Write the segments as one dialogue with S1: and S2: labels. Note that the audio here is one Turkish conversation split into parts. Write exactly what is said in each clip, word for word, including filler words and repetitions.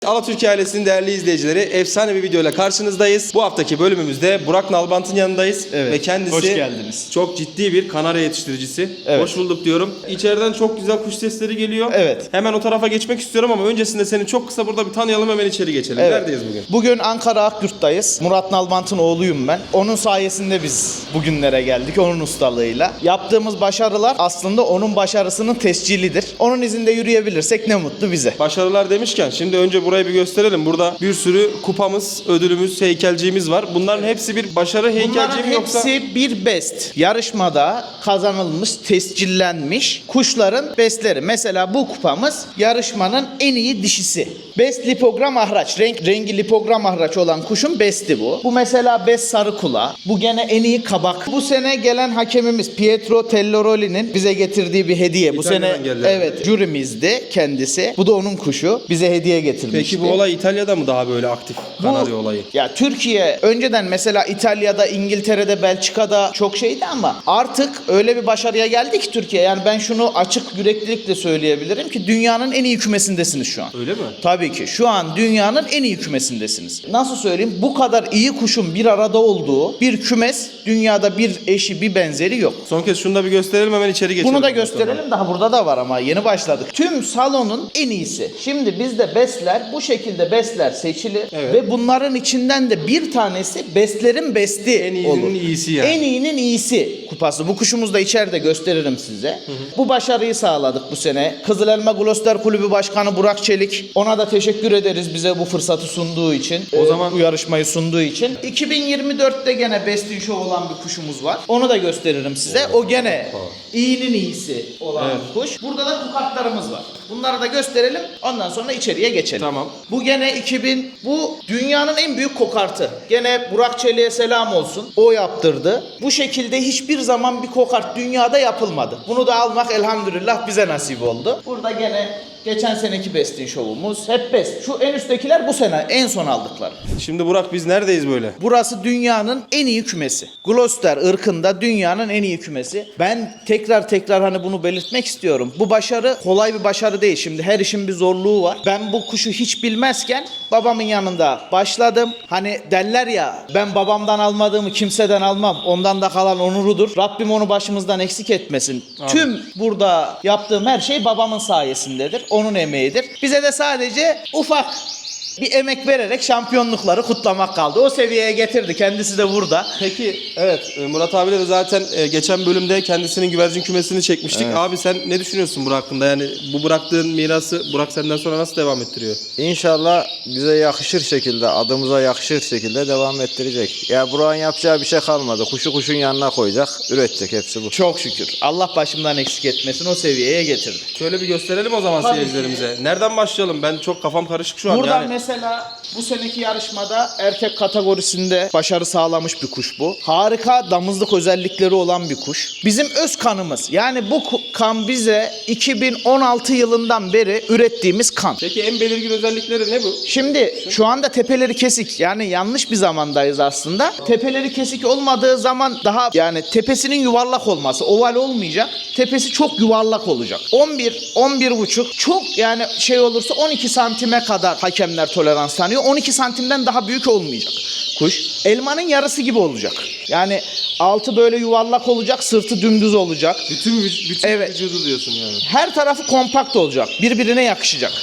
S1: Alatürk ailesinin değerli izleyicileri, efsane bir videoyla karşınızdayız. Bu haftaki bölümümüzde Burak Nalbant'ın yanındayız.
S2: Evet,
S1: Ve kendisi
S2: hoş geldiniz.
S1: Çok ciddi bir kanarya yetiştiricisi.
S2: Evet.
S1: Hoş bulduk diyorum. İçeriden çok güzel kuş sesleri geliyor.
S2: Evet.
S1: Hemen o tarafa geçmek istiyorum ama öncesinde seni çok kısa burada bir tanıyalım, hemen içeri geçelim.
S2: Evet.
S1: Neredeyiz bugün?
S2: Bugün Ankara Akyurt'tayız. Murat Nalbant'ın oğluyum ben. Onun sayesinde biz bugünlere geldik, onun ustalığıyla. Yaptığımız başarılar aslında onun başarısının tescilidir. Onun izinde yürüyebilirsek ne mutlu bize.
S1: Başarılar demişken şimdi önce burayı bir gösterelim. Burada bir sürü kupamız, ödülümüz, heykelciğimiz var. Bunların hepsi bir başarı heykelciği
S2: Bunların
S1: mi yoksa?
S2: hepsi bir best. Yarışmada kazanılmış, tescillenmiş kuşların bestleri. Mesela bu kupamız yarışmanın en iyi dişisi. Best lipogram ahraç. Renk, rengi lipogram ahraç olan kuşun besti bu. Bu mesela best sarı kula. Bu gene en iyi kabak. Bu sene gelen hakemimiz Pietro Telloroli'nin bize getirdiği bir hediye. Bu
S1: İtalya'dan
S2: sene
S1: geldi.
S2: evet jürimizdi kendisi. Bu da onun kuşu. Bize hediye getirmişti.
S1: Peki bu olay İtalya'da mı daha böyle aktif? Kanarya
S2: Bu-
S1: olayı.
S2: Ya Türkiye önceden mesela İtalya'da, İngiltere'de, Belçika'da çok şeydi ama artık öyle bir başarıya geldi ki Türkiye. Yani ben şunu açık yüreklilikle söyleyebilirim ki dünyanın en iyi kümesindesiniz şu an.
S1: Öyle mi?
S2: Tabii ki. Şu an dünyanın en iyi kümesindesiniz. Nasıl söyleyeyim? Bu kadar iyi kuşun bir arada olduğu bir kümes dünyada bir eşi bir benzeri yok.
S1: Son kez şunu da bir gösterelim, hemen içeri geçelim.
S2: Bunu da
S1: ondan sonra.
S2: gösterelim. Daha burada da var ama yeni başladık. Tüm salonun en iyisi. Şimdi bizde bestler bu şekilde bestler seçilir
S1: Evet.
S2: ve bunların içinden de bir tanesi bestlerin besti
S1: En iyinin
S2: olur.
S1: iyisi yani.
S2: En iyinin iyisi kupası. Bu kuşumuzu da içeride gösteririm size. Bu başarıyı sağladık bu sene. Kızıl Elma Gloster Kulübü Başkanı Burak Çelik. Ona da teşekkür ederiz bize bu fırsatı sunduğu için.
S1: O
S2: Ee,
S1: zaman-
S2: bu yarışmayı sunduğu için. iki bin yirmi dörtte gene Best in Show olan bir kuşumuz var. Onu da gösteririm size. O gene iyinin iyisi olan
S1: Evet.
S2: bir kuş. Burada da kukaklarımız var. Bunları da gösterelim. Ondan sonra içeriye geçelim.
S1: Tamam.
S2: Bu gene iki bin, bu dünyanın en büyük kokartı. Gene Burak Çelik'e selam olsun. O yaptırdı. Bu şekilde hiçbir zaman bir kokart dünyada yapılmadı. Bunu da almak elhamdülillah bize nasip oldu. Burada gene geçen seneki Best'in şovumuz. Hep Best. Şu en üsttekiler bu sene en son aldıkları.
S1: Şimdi Burak, biz neredeyiz böyle?
S2: Burası dünyanın en iyi kümesi. Gloucester ırkında dünyanın en iyi kümesi. Ben tekrar tekrar hani bunu belirtmek istiyorum. Bu başarı kolay bir başarı değil. Şimdi her işin bir zorluğu var. Ben bu kuşu hiç bilmezken babamın yanında başladım. Hani derler ya, ben babamdan almadığımı kimseden almam. Ondan da kalan onurudur. Rabbim onu başımızdan eksik etmesin.
S1: Amin.
S2: Tüm burada yaptığım her şey babamın sayesindedir. Onun emeğidir. Bize de sadece ufak bir emek vererek şampiyonlukları kutlamak kaldı. O seviyeye getirdi. Kendisi de burada.
S1: Peki, evet, e, Murat abiyle de zaten e, geçen bölümde kendisinin güvercin kümesini çekmiştik.
S2: Evet.
S1: Abi sen ne düşünüyorsun Burak hakkında? Yani bu bıraktığın mirası Burak senden sonra nasıl devam ettiriyor?
S3: İnşallah bize yakışır şekilde, adımıza yakışır şekilde devam ettirecek. Ya Burak'ın yapacağı bir şey kalmadı. Kuşu kuşun yanına koyacak, üretecek, hepsi bu.
S2: Çok şükür. Allah başımdan eksik etmesin. O seviyeye getirdi.
S1: Şöyle bir gösterelim o zaman
S2: Tabii
S1: seyircilerimize. Nereden başlayalım? Ben çok kafam karışık şu an.
S2: Buradan
S1: yani.
S2: mesela bu seneki yarışmada erkek kategorisinde başarı sağlamış bir kuş bu. Harika damızlık özellikleri olan bir kuş. Bizim öz kanımız. Yani bu ku- kan bize iki bin on altı yılından beri ürettiğimiz kan.
S1: Peki en belirgin özellikleri ne bu?
S2: Şimdi şu anda tepeleri kesik, yani yanlış bir zamandayız aslında. Tepeleri kesik olmadığı zaman daha, yani tepesinin yuvarlak olması, oval olmayacak. Tepesi çok yuvarlak olacak. on bir, on bir buçuk çok, yani şey olursa on iki santime kadar hakemler tolerans tanıyor. on iki santimden daha büyük olmayacak kuş. Elmanın yarısı gibi olacak. Yani altı böyle yuvarlak olacak, sırtı dümdüz olacak.
S1: Bütün, vüc- bütün
S2: Evet.
S1: vücudu diyorsun yani.
S2: Her tarafı kompakt olacak. Birbirine yakışacak.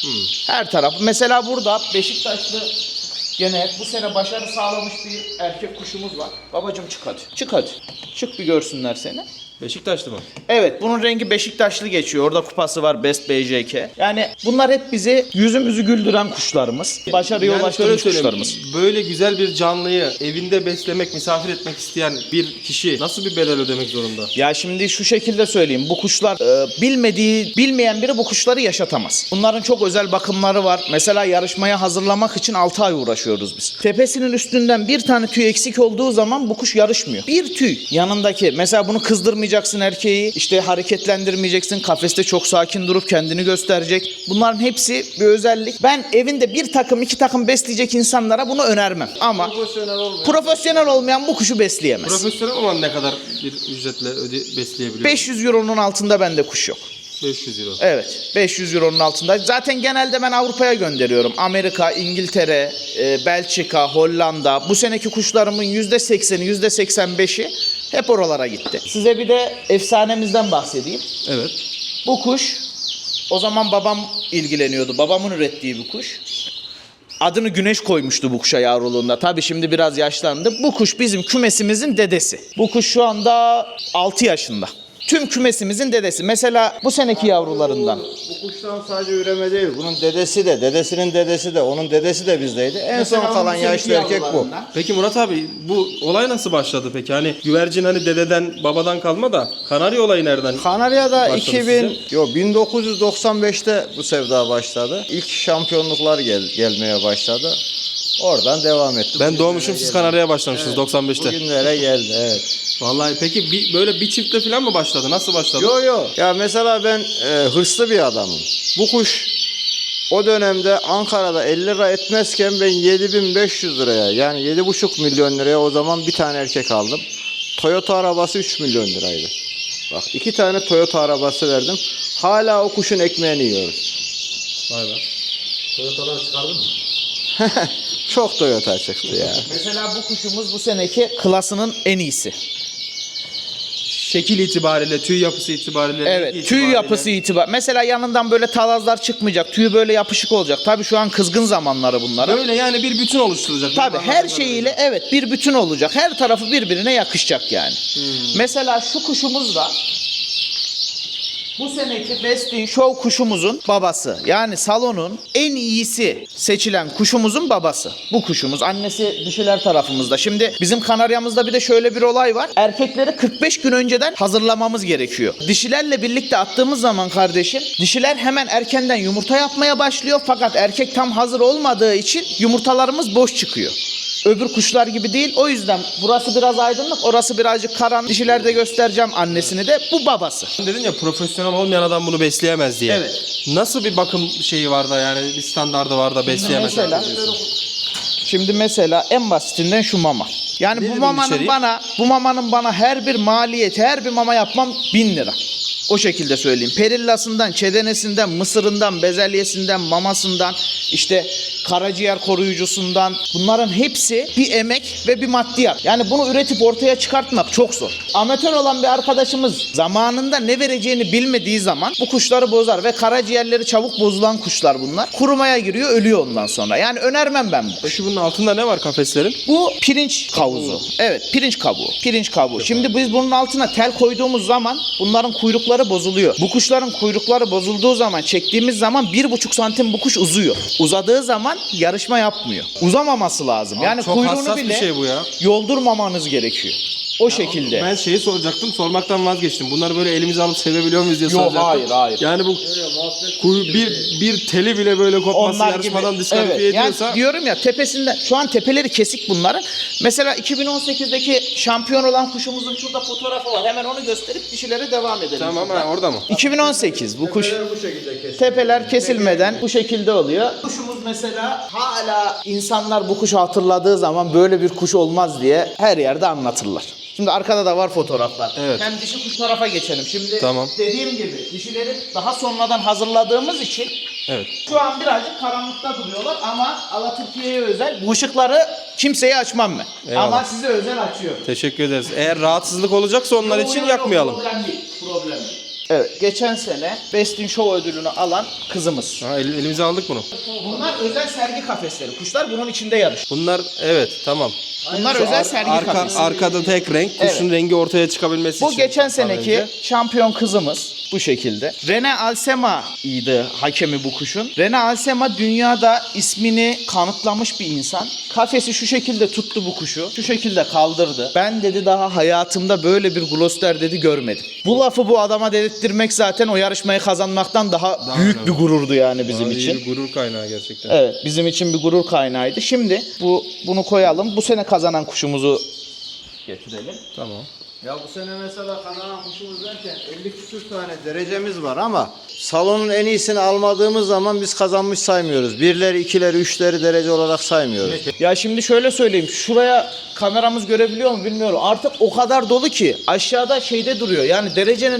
S2: Her taraf. Mesela burada Beşiktaşlı gene bu sene başarı sağlamış bir erkek kuşumuz var. Babacım çık hadi. Çık hadi. Çık bir görsünler seni.
S1: Beşiktaşlı mı?
S2: Evet, bunun rengi Beşiktaşlı geçiyor. Orada kupası var, Best B J K. Yani bunlar hep bizi, yüzümüzü güldüren kuşlarımız. Başarıya
S1: Yani şöyle
S2: ulaştırmış
S1: söyleyeyim,
S2: kuşlarımız.
S1: böyle güzel bir canlıyı evinde beslemek, misafir etmek isteyen bir kişi nasıl bir bedel ödemek zorunda?
S2: Ya şimdi şu şekilde söyleyeyim. Bu kuşlar e, bilmediği, bilmeyen biri bu kuşları yaşatamaz. Bunların çok özel bakımları var. Mesela yarışmaya hazırlamak için altı ay uğraşıyoruz biz. Tepesinin üstünden bir tane tüy eksik olduğu zaman bu kuş yarışmıyor. Bir tüy yanındaki, mesela bunu kızdırmayacaksın erkeği, işte hareketlendirmeyeceksin. Kafeste çok sakin durup kendini gösterecek. Bunların hepsi bir özellik. Ben evinde bir takım, iki takım besleyecek insanlara bunu önermem. Ama
S1: Profesyonel olmayan,
S2: profesyonel olmayan bu kuşu besleyemez.
S1: profesyonel olan ne kadar bir ücretle öde besleyebiliyor?
S2: beş yüz euronun altında bende kuş yok.
S1: beş yüz euro.
S2: Evet, beş yüz euronun altında. Zaten genelde ben Avrupa'ya gönderiyorum. Amerika, İngiltere, e, Belçika, Hollanda. Bu seneki kuşlarımın yüzde sekseni, yüzde seksen beşi hep oralara gitti. Size bir de efsanemizden bahsedeyim.
S1: Evet.
S2: Bu kuş, o zaman babam ilgileniyordu. Babamın ürettiği bir kuş. Adını Güneş koymuştu bu kuşa yavruluğunda. Tabii şimdi biraz yaşlandı. Bu kuş bizim kümesimizin dedesi. Bu kuş şu anda altı yaşında. Tüm kümesimizin dedesi. Mesela bu seneki yavrularından.
S3: Bu kuştan sadece üreme değil. Bunun dedesi de, dedesinin dedesi de, onun dedesi de bizdeydi. En
S2: Mesela
S3: son kalan
S2: bu seneki
S3: yaşlı erkek bu.
S2: yavrularından.
S1: Peki Murat abi bu olay nasıl başladı peki? Hani güvercin hani dededen babadan kalma da Kanarya olayı nereden?
S3: Kanarya'da
S1: Başladı
S3: iki bin, yo, bin dokuz yüz doksan beşte bu sevda başladı. İlk şampiyonluklar gel, gelmeye başladı. Oradan devam etti.
S1: Ben doğmuşum, siz Kanarya'ya başlamışsınız doksan beşte.
S3: Bugünlere geldi, evet.
S1: Vallahi peki bir, böyle bir çifte falan mı başladı? Nasıl başladı?
S3: Yo yo. Ya mesela ben e, hırslı bir adamım. Bu kuş o dönemde Ankara'da elli lira etmezken ben yedi bin beş yüz liraya, yani yedi buçuk milyon liraya o zaman bir tane erkek aldım. Toyota arabası üç milyon liraydı. Bak, iki tane Toyota arabası verdim. Hala o kuşun ekmeğini yiyoruz.
S1: Vay be.
S3: Toyota'dan çıkardın mı? Çok Toyota çıktı ya.
S2: Mesela bu kuşumuz bu seneki klasının en iyisi.
S1: Şekil itibariyle, tüy yapısı itibariyle.
S2: Evet,
S1: rengi
S2: tüy
S1: itibariyle.
S2: yapısı itibar. Mesela yanından böyle talazlar çıkmayacak. Tüyü böyle yapışık olacak. Tabii şu an kızgın zamanları bunların.
S1: Böyle yani bir bütün oluşturacak.
S2: Tabii
S1: Benim
S2: her
S1: anladığım
S2: şeyiyle evet bir bütün olacak. Her tarafı birbirine yakışacak yani. Mesela şu kuşumuz da bu seneki Best in Show kuşumuzun babası. Yani salonun en iyisi seçilen kuşumuzun babası. Bu kuşumuz. Annesi dişiler tarafımızda. Şimdi bizim Kanarya'mızda bir de şöyle bir olay var. Erkekleri kırk beş gün önceden hazırlamamız gerekiyor. Dişilerle birlikte attığımız zaman kardeşim, dişiler hemen erkenden yumurta yapmaya başlıyor. Fakat erkek tam hazır olmadığı için yumurtalarımız boş çıkıyor. Öbür kuşlar gibi değil. O yüzden burası biraz aydınlık, orası birazcık karanlık. Dişilerde göstereceğim annesini de. Bu babası.
S1: Sen dedin ya profesyonel olmayan adam bunu besleyemez diye.
S2: Evet.
S1: Nasıl bir bakım şeyi var da yani bir standardı var da besleyemez?
S2: Mesela, şimdi mesela en basitinden şu mama. Yani
S1: Nedir
S2: bu
S1: bunun
S2: mamanın
S1: içeriği?
S2: bana, bu mamanın bana her bir maliyeti, her bir mama yapmam bin lira. O şekilde söyleyeyim. Perillasından, çedenesinden, mısırından, bezelyesinden, mamasından, işte karaciğer koruyucusundan, bunların hepsi bir emek ve bir maddiyat. Yani bunu üretip ortaya çıkartmak çok zor. Amatör olan bir arkadaşımız zamanında ne vereceğini bilmediği zaman bu kuşları bozar ve karaciğerleri çabuk bozulan kuşlar bunlar. Kurumaya giriyor, ölüyor ondan sonra. Yani önermem ben bu.
S1: Peki bunun altında ne var kafeslerin?
S2: Bu pirinç kavuzu. Evet, pirinç kabuğu. Pirinç kabuğu. Şimdi biz bunun altına tel koyduğumuz zaman bunların kuyrukları bozuluyor. Bu kuşların kuyrukları bozulduğu zaman, çektiğimiz zaman bir buçuk santim bu kuş uzuyor. Uzadığı zaman yarışma yapmıyor. Uzamaması lazım. Yani
S1: Çok
S2: kuyruğunu
S1: hassas
S2: bile
S1: bir şey bu ya.
S2: yoldurmamanız gerekiyor. O şekilde.
S1: Ben şeyi soracaktım, sormaktan vazgeçtim. Bunları böyle elimize alıp sevebiliyor muyuz diye
S2: Yok,
S1: soracaktım.
S2: hayır, hayır.
S1: Yani bu kuy- bir bir teli bile böyle kopması yarışmadan diskalifiye
S2: Evet,
S1: ediyorsa
S2: yani diyorum ya tepesinden şu an tepeleri kesik bunların. Mesela iki bin on sekizdeki şampiyon olan kuşumuzun şurada fotoğrafı var. Hemen onu gösterip dişilere devam edelim.
S1: tamam
S2: şuradan.
S1: ha, orada mı?
S2: iki bin on sekiz bu kuş
S3: Bu şekilde kesin.
S2: tepeler kesilmeden bu şekilde oluyor. Kuşumuz mesela hala insanlar bu kuşu hatırladığı zaman böyle bir kuş olmaz diye her yerde anlatırlar. Şimdi arkada da var fotoğraflar.
S1: Evet.
S2: Hem dişi kuş tarafa geçelim. Şimdi
S1: Tamam.
S2: dediğim gibi dişileri daha sonradan hazırladığımız için
S1: Evet.
S2: şu an birazcık karanlıkta duruyorlar ama Alaturka'ya özel bu ışıkları kimseye açmam ben.
S1: Eyvallah.
S2: Ama size özel açıyorum.
S1: Teşekkür ederiz. Eğer rahatsızlık olacaksa onlar
S2: Yok,
S1: için
S2: yok,
S1: yakmayalım.
S2: Problem değil. Problem değil. Evet, geçen sene Best in Show ödülünü alan kızımız.
S1: Ha, el- elimize aldık bunu.
S2: Bunlar özel sergi kafesleri. Kuşlar bunun içinde yarış.
S1: Bunlar evet tamam.
S2: Bunlar
S1: Şu
S2: özel
S1: ar-
S2: sergi
S1: arka,
S2: kafesi.
S1: arkada tek renk, kuşun
S2: Evet.
S1: rengi ortaya çıkabilmesi
S2: Bu
S1: için.
S2: geçen
S1: daha
S2: seneki
S1: önce.
S2: şampiyon kızımız bu şekilde. Rene Alsema'ydı hakemi bu kuşun. Rene Alsema dünyada ismini kanıtlamış bir insan. Kafesi şu şekilde tuttu bu kuşu. Şu şekilde kaldırdı. Ben dedi daha hayatımda böyle bir Gloucester dedi görmedim. Bu lafı bu adama dedirtmek zaten o yarışmayı kazanmaktan daha,
S1: Daha
S2: büyük
S1: önemli.
S2: bir gururdu yani bizim
S1: Vallahi
S2: için.
S1: bir gurur kaynağı gerçekten.
S2: Evet, bizim için bir gurur kaynağıydı. Şimdi bu bunu koyalım. Bu sene kazanan kuşumuzu getirelim.
S1: Tamam.
S3: Ya bu sene mesela kazanan kuşumuz derken elli küsür tane derecemiz var ama salonun en iyisini almadığımız zaman biz kazanmış saymıyoruz. Birleri, ikileri, üçleri derece olarak saymıyoruz.
S2: Ya şimdi şöyle söyleyeyim. Şuraya kameramız görebiliyor mu bilmiyorum. Artık o kadar dolu ki aşağıda şeyde duruyor. Yani derecenin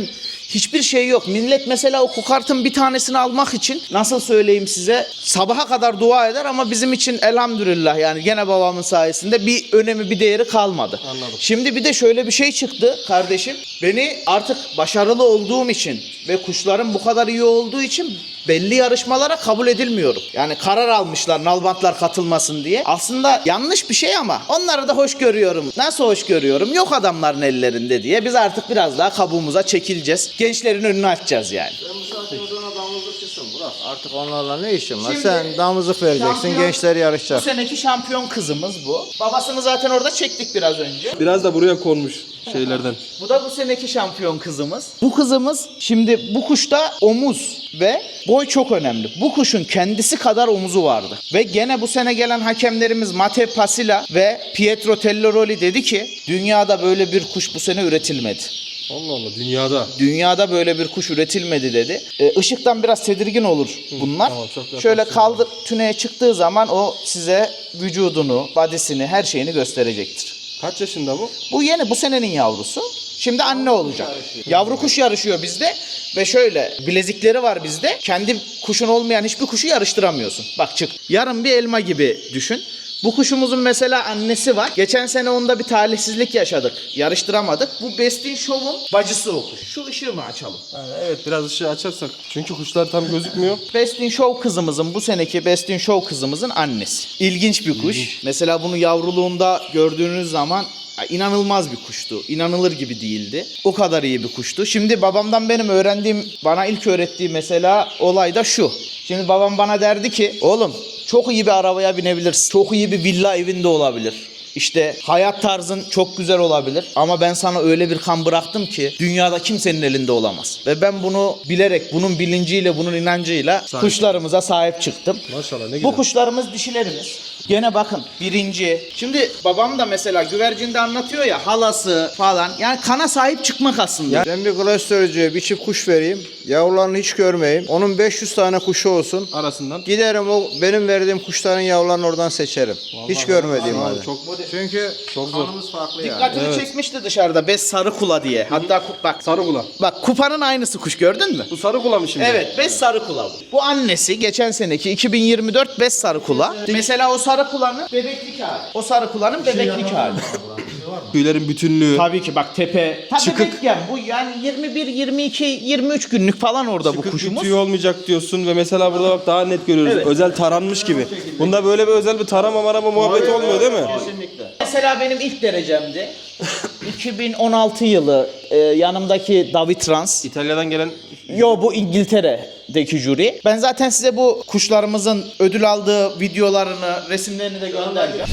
S2: Hiçbir şey yok. Millet mesela o kukartın bir tanesini almak için nasıl söyleyeyim size sabaha kadar dua eder ama bizim için elhamdülillah yani gene babamın sayesinde bir önemi bir değeri kalmadı.
S1: Anladım.
S2: Şimdi bir de şöyle bir şey çıktı kardeşim. Beni artık başarılı olduğum için ve kuşların bu kadar iyi olduğu için belli yarışmalara kabul edilmiyorum. Yani karar almışlar nalbantlar katılmasın diye. Aslında yanlış bir şey ama onları da hoş görüyorum. Nasıl hoş görüyorum? Yok adamların ellerinde diye. Biz artık biraz daha kabuğumuza çekileceğiz. Gençlerin önünü açacağız yani.
S3: Ben bu saatten sonra damızlıkçısın Burak. Artık onlarla ne işin var?
S2: Şimdi
S3: Sen damızlık vereceksin,
S2: şampiyon-
S3: gençler
S2: Bu
S3: yarışacak.
S2: seneki şampiyon kızımız bu. Babasını zaten orada çektik biraz önce.
S1: Biraz da buraya konmuş şeylerden.
S2: Bu da bu seneki şampiyon kızımız. Bu kızımız şimdi bu kuşta omuz ve boy çok önemli. Bu kuşun kendisi kadar omuzu vardı. Ve gene bu sene gelen hakemlerimiz Mate Pasila ve Pietro Telloroli dedi ki dünyada böyle bir kuş bu sene üretilmedi.
S1: Allah Allah, dünyada.
S2: Dünyada böyle bir kuş üretilmedi dedi. E, ışıktan biraz tedirgin olur bunlar.
S1: tamam, çok yaklaşık.
S2: Şöyle kaldır tüneye çıktığı zaman o size vücudunu, badisini, her şeyini gösterecektir.
S1: Kaç yaşında bu?
S2: Bu yeni bu senenin yavrusu. Şimdi anne olacak. Yavru kuş yarışıyor bizde ve şöyle bilezikleri var bizde. Kendi kuşun olmayan hiçbir kuşu yarıştıramıyorsun. Bak çık. Yarın bir elma gibi düşün. Bu kuşumuzun mesela annesi var. Geçen sene onda bir talihsizlik yaşadık. Yarıştıramadık. Bu Bestin Show'un bacısı o kuş. Şu ışığı mı açalım?
S1: Yani evet, biraz ışığı açarsak. Çünkü kuşlar tam gözükmüyor.
S2: Bestin Show kızımızın bu seneki Bestin Show kızımızın annesi. İlginç bir kuş. Mesela bunu yavruluğunda gördüğünüz zaman ya, inanılmaz bir kuştu. İnanılır gibi değildi. O kadar iyi bir kuştu. Şimdi babamdan benim öğrendiğim, bana ilk öğrettiği mesela olay da şu. Şimdi babam bana derdi ki oğlum çok iyi bir arabaya binebilirsin. Çok iyi bir villa evinde olabilir. İşte hayat tarzın çok güzel olabilir ama ben sana öyle bir kan bıraktım ki dünyada kimsenin elinde olamaz. Ve ben bunu bilerek, bunun bilinciyle, bunun inancıyla
S1: Sahip.
S2: kuşlarımıza sahip çıktım.
S1: Maşallah, ne
S2: Bu
S1: güzel.
S2: kuşlarımız dişilerimiz. Gene bakın birinci. Şimdi babam da mesela güvercinde anlatıyor ya halası falan. Yani kana sahip çıkmak aslında.
S3: Ben bir klasörcüye bir çift kuş vereyim. Yavrularını hiç görmeyeyim. Onun beş yüz tane kuşu olsun.
S1: Arasından.
S3: Giderim o benim verdiğim kuşların yavrularını oradan seçerim. hiç görmediğim
S1: vallahi
S3: halde.
S1: çok-
S3: Çünkü
S1: Çok zor.
S3: kanımız farklı yani.
S2: Dikkatini
S1: Evet.
S2: çekmişti dışarıda bez sarı kula diye. Hatta ku- bak
S1: Sarı kula.
S2: bak kupanın aynısı kuş gördün mü?
S1: Bu sarı kula mı şimdi?
S2: Evet, bez sarı kula bu. Bu annesi geçen seneki iki bin yirmi dört bez sarı kula. Mesela o sarı kulanın bebeklik hali. O sarı kulanın bebeklik hali.
S1: Tüylerin bütünlüğü.
S2: Tabii ki bak tepe. Tabii
S1: Çıkık.
S2: bebekken bu yani yirmi bir, yirmi iki, yirmi üç günlük falan orada bu
S1: Çıkık bir
S2: kuşumuz.
S1: tüy olmayacak diyorsun ve mesela burada bak daha net görüyoruz.
S2: Evet.
S1: Özel taranmış gibi. Bunda böyle bir özel bir tarama marama muhabbeti olmuyor değil mi?
S2: Mesela benim ilk derecemdi. iki bin on altı yılı e, yanımdaki David Trans.
S1: İtalya'dan gelen
S2: Yo bu İngiltere'deki jüri. Ben zaten size bu kuşlarımızın ödül aldığı videolarını, resimlerini de göndereceğim.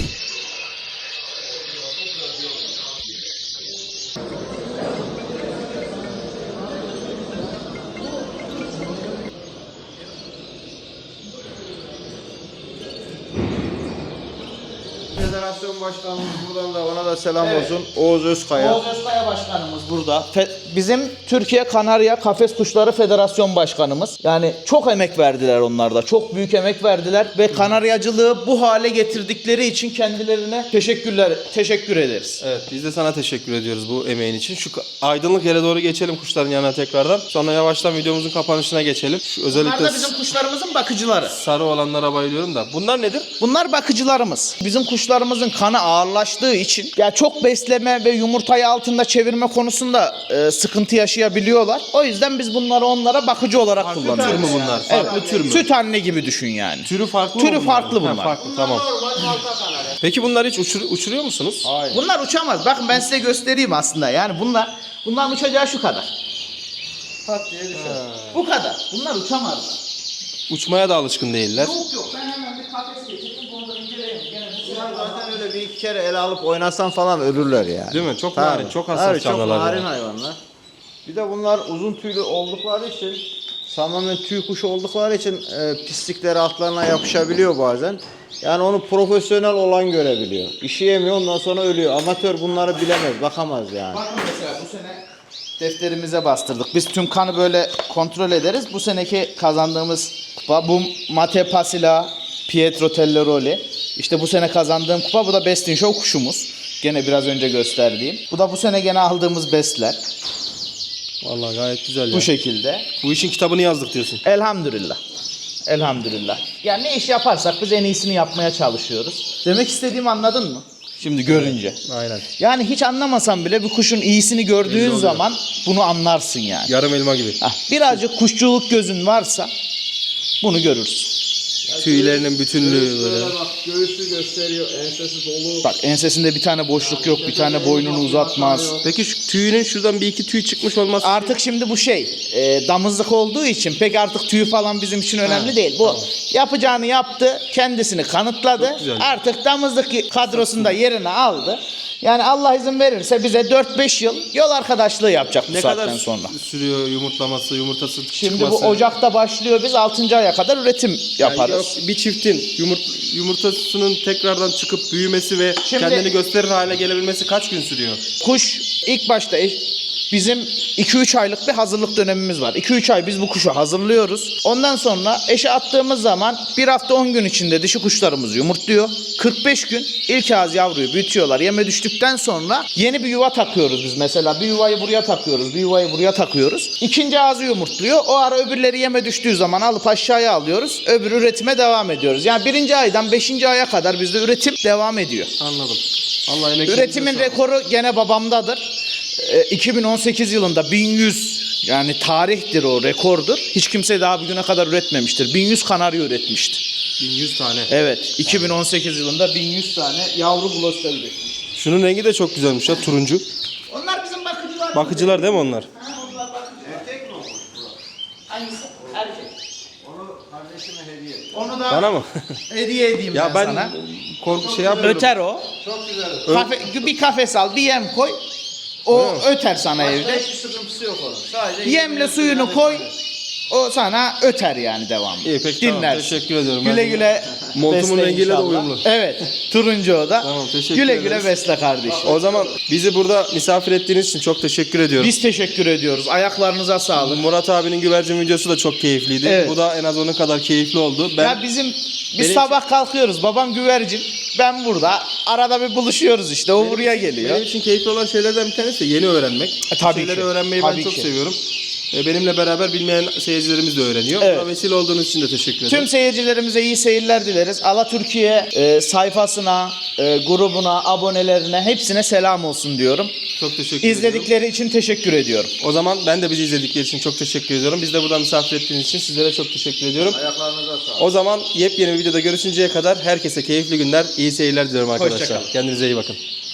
S3: Federasyon başkanımız buradan da ona da selam
S2: Evet.
S3: olsun. Oğuz Özkaya.
S2: Oğuz Özkaya başkanımız burada. Fe- bizim Türkiye Kanarya Kafes Kuşları Federasyon Başkanımız. Yani çok emek verdiler onlar da. Çok büyük emek verdiler ve kanaryacılığı bu hale getirdikleri için kendilerine teşekkürler teşekkür ederiz.
S1: Evet, biz de sana teşekkür ediyoruz bu emeğin için. Şu ka- aydınlık yere doğru geçelim kuşların yanına tekrardan. Sonra yavaştan videomuzun kapanışına geçelim. Şu
S2: Bunlar
S1: özellikle
S2: da bizim kuşlarımızın bakıcıları.
S1: sarı olanlara bayılıyorum da. Bunlar nedir?
S2: Bunlar bakıcılarımız. Bizim kuşlarımızın kanı ağırlaştığı için ya çok besleme ve yumurtayı altında çevirme konusunda e, sıkıntı yaşayabiliyorlar. O yüzden biz bunları onlara bakıcı olarak
S1: Farklı
S2: kullanıyoruz.
S1: tür mü bunlar? Farklı tür mü?
S2: Süt anne gibi düşün yani.
S1: Türü farklı
S2: Türü
S1: mı bunlar?
S2: farklı
S1: Ha,
S2: bunlar.
S1: farklı, tamam. Peki bunlar hiç uçur- uçuruyor musunuz?
S3: Hayır.
S2: Bunlar uçamaz. Bakın ben size göstereyim aslında. Yani bunlar bunların uçacağı şu kadar.
S3: Pat diye düşer.
S2: Bu kadar. Bunlar uçamazlar.
S1: Uçmaya da alışkın değiller.
S2: Yok yok. Ben hemen bir kafes getirdim. Bunu da inceleyeyim. Gene bu
S3: Bunlar zaten öyle bir iki kere ele alıp oynasan falan ölürler yani.
S1: Değil mi? Çok
S3: Tabii.
S1: narin, çok hassas
S3: Tabii,
S1: canlılar
S3: çok narin
S1: yani.
S3: hayvanlar. Bir de bunlar uzun tüylü oldukları için tamamen tüy kuşu oldukları için e, pislikleri altlarına yapışabiliyor bazen. Yani onu profesyonel olan görebiliyor. İşi yemiyor ondan sonra ölüyor. Amatör bunları bilemez, bakamaz yani.
S2: Bakın mesela bu sene defterimize bastırdık. Biz tüm kanı böyle kontrol ederiz. Bu seneki kazandığımız kupa bu Mate Pasila Pietro Telloroli. İşte bu sene kazandığım kupa bu da Best in Show kuşumuz. Gene biraz önce gösterdiğim. Bu da bu sene gene aldığımız bestler.
S1: Vallahi gayet güzel ya.
S2: Bu şekilde.
S1: Bu işin kitabını yazdık diyorsun.
S2: Elhamdülillah. Elhamdülillah. Yani ne iş yaparsak biz en iyisini yapmaya çalışıyoruz. Demek istediğimi anladın mı? Şimdi görünce.
S1: Aynen.
S2: Yani hiç anlamasan bile bir kuşun iyisini gördüğün zaman bunu anlarsın yani.
S1: Yarım elma gibi.
S2: Hah, birazcık kuşçuluk gözün varsa bunu görürsün.
S1: Tüylerinin bütünlüğü böyle.
S3: Bak göğüsü gösteriyor, ensesi dolu.
S2: Bak ensesinde bir tane boşluk yok, bir tane boynunu uzatmaz.
S1: Peki şu tüyünün şuradan bir iki tüy çıkmış olması.
S2: Artık şimdi bu şey e, damızlık olduğu için pek artık tüyü falan bizim için önemli değil. Bu yapacağını yaptı, kendisini kanıtladı.
S1: güzel.
S2: Artık damızlık kadrosunda yerini aldı. Yani Allah izin verirse bize dört beş yıl yol arkadaşlığı yapacak bu
S1: ne
S2: saatten
S1: kadar
S2: sonra.
S1: sürüyor yumurtlaması, yumurtası
S2: Şimdi
S1: çıkması?
S2: bu Ocak'ta başlıyor, biz altıncı aya kadar üretim
S1: Yani
S2: yaparız.
S1: yok, bir çiftin yumurt, yumurtasının tekrardan çıkıp büyümesi ve
S2: Şimdi-
S1: kendini gösterir hale gelebilmesi kaç gün sürüyor?
S2: Kuş ilk başta eş- bizim iki üç aylık bir hazırlık dönemimiz var. iki üç ay biz bu kuşu hazırlıyoruz. Ondan sonra eşe attığımız zaman bir hafta on gün içinde dişi kuşlarımız yumurtluyor. kırk beş gün ilk ağız yavruyu büyütüyorlar. Yeme düştükten sonra yeni bir yuva takıyoruz biz mesela. Bir yuvayı buraya takıyoruz, bir yuvayı buraya takıyoruz. İkinci ağzı yumurtluyor. O ara öbürleri yeme düştüğü zaman alıp aşağıya alıyoruz. Öbür üretime devam ediyoruz. Yani birinci aydan beşinci aya kadar bizde üretim devam ediyor.
S1: Anladım. Allah emeklerinize
S2: Üretimin
S1: sağlık.
S2: rekoru gene babamdadır. Ee, iki bin on sekiz yılında bin yüz yani tarihtir o rekordur. Hiç kimse daha bugüne kadar üretmemiştir. bin yüz kanarya üretmişti.
S1: bin yüz tane.
S2: Evet, iki bin on sekiz yılında bin yüz tane yavru gloster üretmiş.
S1: Şunun rengi de çok güzelmiş ya, turuncu.
S2: Onlar bizim bakıcılar.
S1: Bakıcılar değil mi onlar?
S2: Ha, onlar bakıcı.
S3: Erkek mi o?
S2: Hangisi? Erkek.
S3: Onu kardeşime hediye et.
S2: Onu da
S1: Bana mı?
S2: hediye edeyim
S1: ya
S2: ben,
S1: ben
S2: sana.
S1: korku şey yapıyorum.
S2: Öter o.
S3: Çok güzel.
S2: Kafe, bir kafes al, bir yem koy. O öter sana
S3: Başka
S2: evde.
S3: hiçbir sıkıntısı yok onun. Sadece
S2: Yemle suyunu koy. O sana öter yani devamlı.
S1: İyi, peki, tamam.
S2: Dinlersin.
S1: Teşekkür ediyorum.
S2: Güle
S1: Ben-
S2: güle
S1: Montumun
S2: besle
S1: rengiyle de
S2: inşallah.
S1: uyumlu.
S2: Evet. Turuncu o da.
S1: Tamam, teşekkür
S2: güle
S1: ederiz.
S2: güle besle kardeşim.
S1: O zaman bizi burada misafir ettiğiniz için çok teşekkür ediyorum.
S2: Biz teşekkür ediyoruz. Ayaklarınıza sağlık.
S1: Murat abinin güvercin videosu da çok keyifliydi.
S2: Evet.
S1: Bu da en az onun kadar keyifli oldu. Ben
S2: Ya bizim biz
S1: Benim-
S2: sabah kalkıyoruz. Babam güvercin. Ben burada. Arada bir buluşuyoruz işte. O buraya geliyor.
S1: benim için keyifli olan şeylerden bir tanesi de yeni öğrenmek.
S2: E, tabii
S1: Bu şeyleri
S2: ki.
S1: öğrenmeyi
S2: Tabii
S1: ben çok
S2: ki.
S1: seviyorum. E, benimle beraber bilmeyen seyircilerimiz de öğreniyor.
S2: Evet.
S1: Buna vesile olduğunuz için de teşekkür ederim.
S2: Tüm seyircilerimize iyi seyirler dileriz. Ala Türkiye e, sayfasına, e, grubuna, abonelerine hepsine selam olsun diyorum.
S1: Çok teşekkür ediyorum.
S2: İzledikleri için teşekkür ediyorum.
S1: O zaman ben de bizi izledikleri için çok teşekkür ediyorum. Biz de buradan misafir ettiğiniz için sizlere çok teşekkür ediyorum.
S3: ayaklarınıza sağlık.
S1: O zaman yepyeni bir videoda görüşünceye kadar herkese keyifli günler, iyi seyirler diliyorum arkadaşlar.
S2: Hoşça kalın.
S1: Kendinize iyi bakın.